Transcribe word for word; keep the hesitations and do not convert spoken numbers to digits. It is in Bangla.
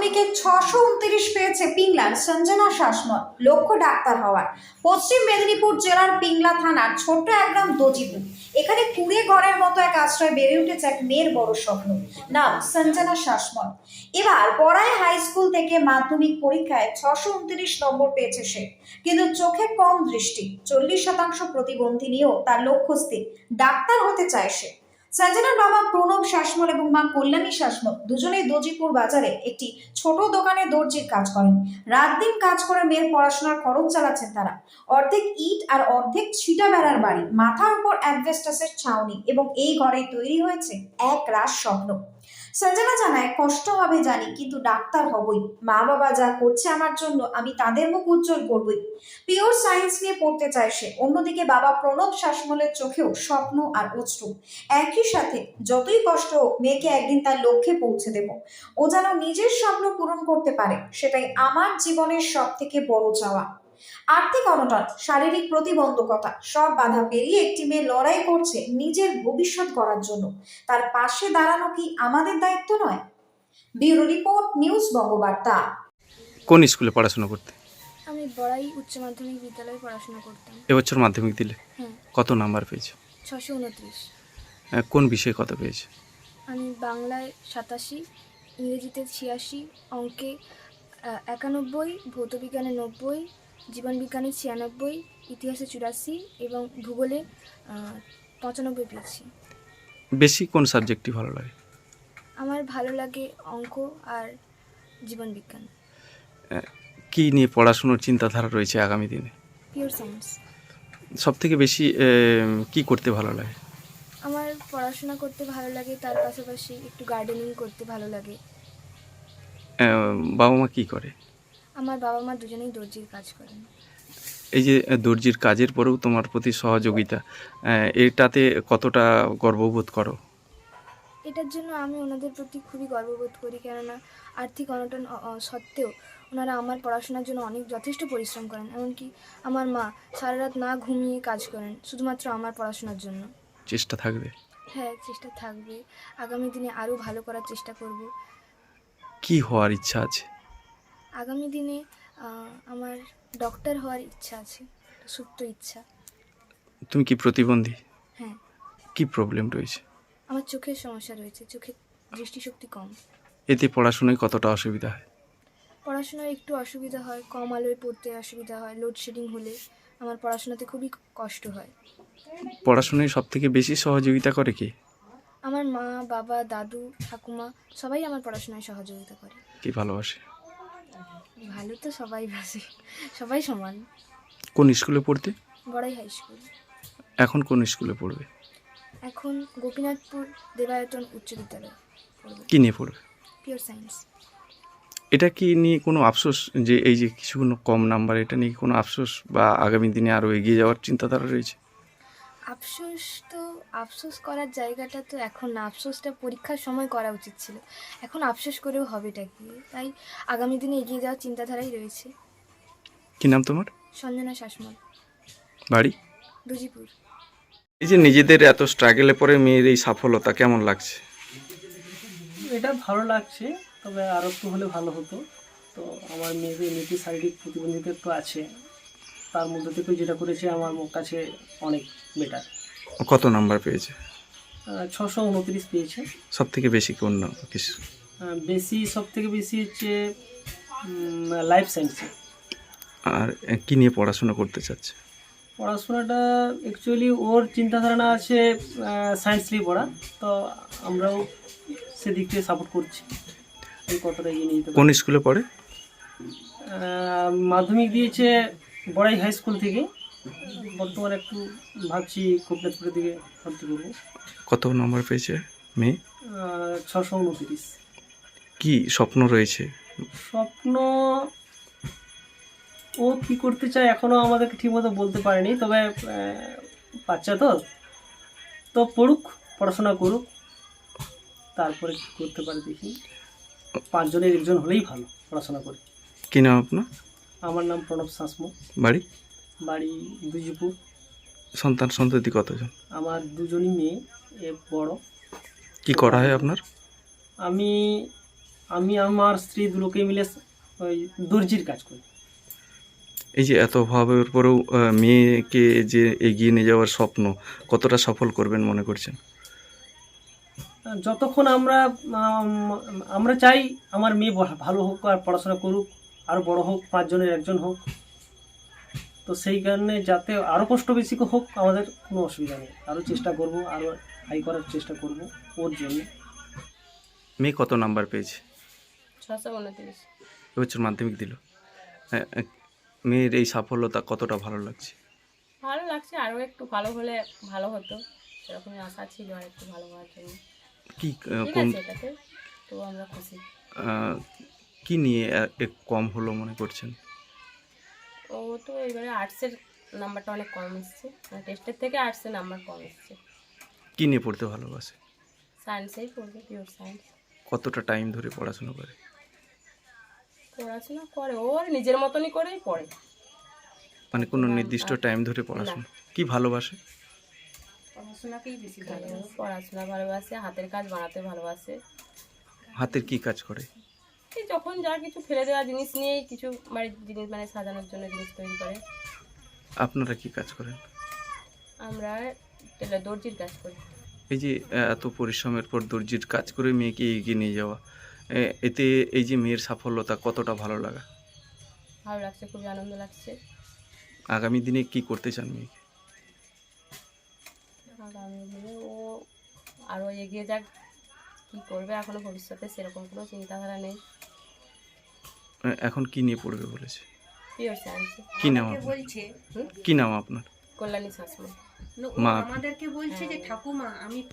মাধ্যমিকে ছশো উনত্রিশ পেয়েছে পিংলার সঞ্জনা শাসমল, লক্ষ্য ডাক্তার হওয়ার। পশ্চিম মেদিনীপুর জেলার পিংলা থানার ছোট্ট এক গ্রাম দজিপুর, এখানে কুড়ে ঘরের মতো এক আশ্রয় বেড়ে উঠেছে এক মেয়ের বড় স্বপ্ন, নাম সঞ্জনা শাসমল। এবার পড়ায় হাই স্কুল থেকে মাধ্যমিক পরীক্ষায় ছশো উনত্রিশ নম্বর পেয়েছে সে, কিন্তু চোখে কম দৃষ্টি, চল্লিশ শতাংশ প্রতিবন্ধী নিয়েও তার লক্ষ্য স্থির, ডাক্তার হতে চায় সে। সঞ্জনার বাবা প্রণব শাসমল এবং মা কল্যাণী শাসমল দুজনেই দজিপুর বাজারে একটি ছোট দোকানে দর্জির কাজ করেন। রাত দিন কাজ করে মেয়ের পড়াশোনার খরচ চালাচ্ছেন তারা। অর্ধেক ইট আর অর্ধেক ছিটা বেড়ার বাড়ি, মাথার উপর অ্যাডভেস্টাসের ছাউনি, এবং এই ঘরে তৈরি হয়েছে এক রাস স্বপ্ন। সঞ্জনা জানায়, কষ্ট হবে জানি, কিন্তু ডাক্তার হবই। মা বাবা যা করছে আমার জন্য, আমি তাদের মুখ উজ্জ্বল করবই। পিওর সায়েন্স নিয়ে পড়তে চায় সে। অন্যদিকে বাবা প্রণব শাসমলের চোখেও স্বপ্ন আর অশ্রু। একই সাথে যতই কষ্ট হোক, মেয়েকে একদিন তার লক্ষ্যে পৌঁছে দেব। ও যেন নিজের স্বপ্ন পূরণ করতে পারে, সেটাই আমার জীবনের সব থেকে বড় চাওয়া। আর্থিক অনটন, শারীরিক প্রতিবন্ধকতা, সব বাধা পেরিয়ে একটি মেয়ে লড়াই করছে নিজের ভবিষ্যৎ গড়ার জন্য। তার পাশে দাঁড়ানো কি আমাদের দায়িত্ব নয়? Bureau report, news Bangabarta. কোন স্কুলে পড়াশোনা করতে? আমি বড়াই উচ্চ মাধ্যমিক বিদ্যালয়ে পড়াশোনা করতাম। এবছর মাধ্যমিক দিলে হ্যাঁ, কত নাম্বার পেয়েছো? ছশো উনত্রিশ। কোন বিষয়ে কত পেয়েছো? আমি বাংলায় সাতাশি, ইংরেজিতে ছিয়াশি, অঙ্কে আহ, একানব্বই, ভৌতবিজ্ঞানে নব্বই, জীবনবিজ্ঞানে ছিয়ানব্বই, ইতিহাসে চুরাশি এবং ভূগোলে আহ, পঁচানব্বই পেয়েছি। বেশি কোন সাবজেক্টটি ভালো লাগে? আমার ভালো লাগে অঙ্ক আর জীবনবিজ্ঞান। কি নিয়ে পড়াশোনার চিন্তাধারা রয়েছে আগামী দিনে? Pure science. সব থেকে বেশি এ, কি করতে ভালো লাগে? আমার পড়াশোনা করতে ভালো লাগে, তার পাশাপাশি একটু গার্ডেনিং করতে ভালো লাগে। এ, বাবা মা কি করে? আমার বাবা মা দুজনেই দর্জির কাজ করেন। এই যে দর্জির কাজের পরেও তোমার প্রতি সহযোগিতা, এ, এটাতে কতটা গর্ববোধ করো? এটার জন্য আমি ওনাদের প্রতি খুবই গর্ববোধ করি, কেননা আর্থিক অনটন অ- অ- সত্ত্বেও ওনারা আমার পড়াশোনার জন্য অনেক যথেষ্ট পরিশ্রম করেন। এমনকি আমার মা সারা রাত না ঘুমিয়ে কাজ করেন শুধুমাত্র আমার পড়াশোনার জন্য। চেষ্টা থাকবে? হ্যাঁ, চেষ্টা থাকবে। আগামী দিনে আরও ভালো করার চেষ্টা করব। কি হওয়ার ইচ্ছা আছে? আগামী দিনে আহ, আমার ডক্টর হওয়ার ইচ্ছা আছে, সুপ্ত ইচ্ছা। তুমি কি প্রতিবন্ধী? হ্যাঁ, কি প্রবলেম রয়েছে? আমার চোখের সমস্যা রয়েছে, চোখের দৃষ্টিশক্তি কম। এতে পড়াশোনায় কতটা অসুবিধা হয়? পড়াশোনার একটু অসুবিধা হয়, কম আলোয় পড়তে অসুবিধা হয়, লোডশেডিং হলে আমার পড়াশোনাতে খুবই কষ্ট হয়। পড়াশোনায় সব থেকে বেশি সহযোগিতা করে কি? আমার মা, বাবা, দাদু, ঠাকুমা সবাই আমার পড়াশোনায় সহযোগিতা করে। কি ভালোবাসে? ভালো তো সবাই বাসে, সবাই সমান। কোন স্কুলে পড়তে? বড়াই হাই স্কুল। এখন কোন স্কুলে পড়বে? এখন গোপীনাথপুর দেবায়তন উচ্চ বিদ্যালয় পড়ব। কি নিয়ে পড়বে? Pure science. এটা কি নিয়ে কোনো আফসোস যে এই যে কিছু কোনো কম নাম্বার, এটা নিয়ে কোনো আফসোস বা আগামী দিনে আরও এগিয়ে যাওয়ার চিন্তাধারা রয়েছে? আফসোস তো, আফসোস করার জায়গাটা তো এখন না, আফসোসটা পরীক্ষার সময় করা উচিত ছিল। এখন আফসোস করেও হবেটা কি, তাই আগামী দিনে এগিয়ে যাওয়ার চিন্তাধারাই রয়েছে। কি নাম তোমার? সঞ্জনা শাসমল, বাড়ি? দজিপুর। এই যে নিজেদের এত স্ট্রাগলে পরে মেয়ের এই সফলতা কেমন লাগছে? এটা ভালো লাগছে, তবে আরও একটু হলে ভালো হতো। তো আমার মেয়েদের এমনিতে শারীরিক প্রতিবন্ধিতা একটু আছে, তার মধ্যে থেকে যেটা করেছে আমার কাছে অনেক বেটার। কত নাম্বার পেয়েছে? ছশো উনত্রিশ পেয়েছে। সব থেকে বেশি কোন কিছু? আহ, বেশি সব থেকে বেশি হচ্ছে লাইফ সায়েন্সে। আর কি নিয়ে পড়াশোনা করতে চাচ্ছে? পড়াশোনাটা অ্যাকচুয়ালি ওর চিন্তাধারণা আছে সায়েন্স নিয়ে পড়া, তো আমরাও সেদিক থেকে সাপোর্ট করছি। এই কতটা এগিয়ে নিয়ে যেতে পারি। কোন স্কুলে পড়ে? আহ, মাধ্যমিক দিয়েছে বড়াই হাই স্কুল থেকে। বর্তমানে একটু ভাবছি গোপীনাথপুরের দিকে ভর্তি করবো। কত নম্বর পেয়েছে মেয়ে? ছশো উনত্রিশ। কি স্বপ্ন রয়েছে? স্বপ্ন ও কি করতে চায় এখনও আমাদেরকে ঠিকমতো বলতে পারেনি, তবে আহ, বাচ্চা তো তো পড়ুক, পড়াশোনা করুক, তারপরে কি করতে পারে দেখি। পাঁচজনের একজন হলেই ভালো পড়াশোনা করে। কি নাম আপনার? আমার নাম প্রণব শাসমল। বাড়ি? বাড়ি দুজিপুর। সন্তান সন্ততি কতজন? আমার দুজনই মেয়ে, এ বড়। কি করা হয় আপনার? আমি আমি আমার স্ত্রী দুলোকে মিলে ওই দর্জির কাজ করি। এই যে এত অভাবের পরেও আহ, মেয়েকে যে এগিয়ে নিয়ে যাওয়ার স্বপ্ন কতটা সফল করবেন মনে করছেন? যতক্ষণ আমরা আম, আমরা চাই আমার মেয়ে ভা- ভালো হোক আর পড়াশোনা করুক, আরও বড় হোক, পাঁচজনের একজন হোক। তো সেই কারণে যাতে আরও কষ্ট বেশি হোক আমাদের কোনো অসুবিধা নেই, আরও চেষ্টা করব, আরও হাই করার চেষ্টা করব ওর জন্য। মেয়ে কত নাম্বার পেয়েছে? ছশো উনত্রিশ। এবছর মাধ্যমিক দিল। হ্যাঁ, আহ, মেয়ের এই সাফল্যতা কতটা ভালো লাগছে? ভালো লাগছে, আরও একটু ভালো হলে ভালো হতো, সেরকমই আশা ছিল আর একটু ভালো হওয়ার জন্য। কি আহ, ঠিক কোন আছে, এটাতে তো আমরা খুশি। আহ, কি নিয়ে আহ, এক কম হলো মনে করছেন? ও তো এবারে আর্টসের নাম্বারটা অনেক কম এসছে, মানে টেস্টের থেকে আর্টসের নাম্বার কম এসছে। কি নিয়ে পড়তে ভালোবাসে? সায়েন্সেই পড়বে, পিওর সায়েন্স। কতটা টাইম ধরে পড়াশোনা করে? পড়াশোনা করে, ওর নিজের মতনই করেই পড়ে। মানে কোনো নির্দিষ্ট টাইম ধরে পড়াশোনা? কি ভালোবাসে? পড়াশোনাকেই বেশি ভালোবাসে, পড়াশোনা ভালোবাসে, হাতের কাজ বানাতে ভালোবাসে। হাতের কি কাজ করে? এই যখন যা কিছু ফেলে দেওয়া জিনিস নিয়েই কিছু বাড়ির জিনিস মানে সাজানোর জন্য জিনিস তৈরি করে। আপনারা কি কাজ করেন? আমরা টেলার দর্জির কাজ করি। এই যে আহ, এত পরিশ্রমের পর দর্জির কাজ করে মেয়েকে এগিয়ে নিয়ে যাওয়া, এ- এতে এই যে মেয়ের সাফল্যতা কতটা ভালো লাগা? ভালো লাগছে, খুবই আনন্দ লাগছে। আগামী দিনে কি করতে চান মেয়েকে? আগামী দিনে ও আরও এগিয়ে যাক, কী করবে এখনো ভবিষ্যতে সেরকম কোনো চিন্তাধারা নেই। আহ, এখন কি নিয়ে পড়বে বলেছে? পিওর সায়েন্সে। কি নাম আপনার? বলছে কি নাম আপনার? কল্যাণী শাসমল। ও মা। আমাদেরকে বলছে যে ঠাকুমা আমি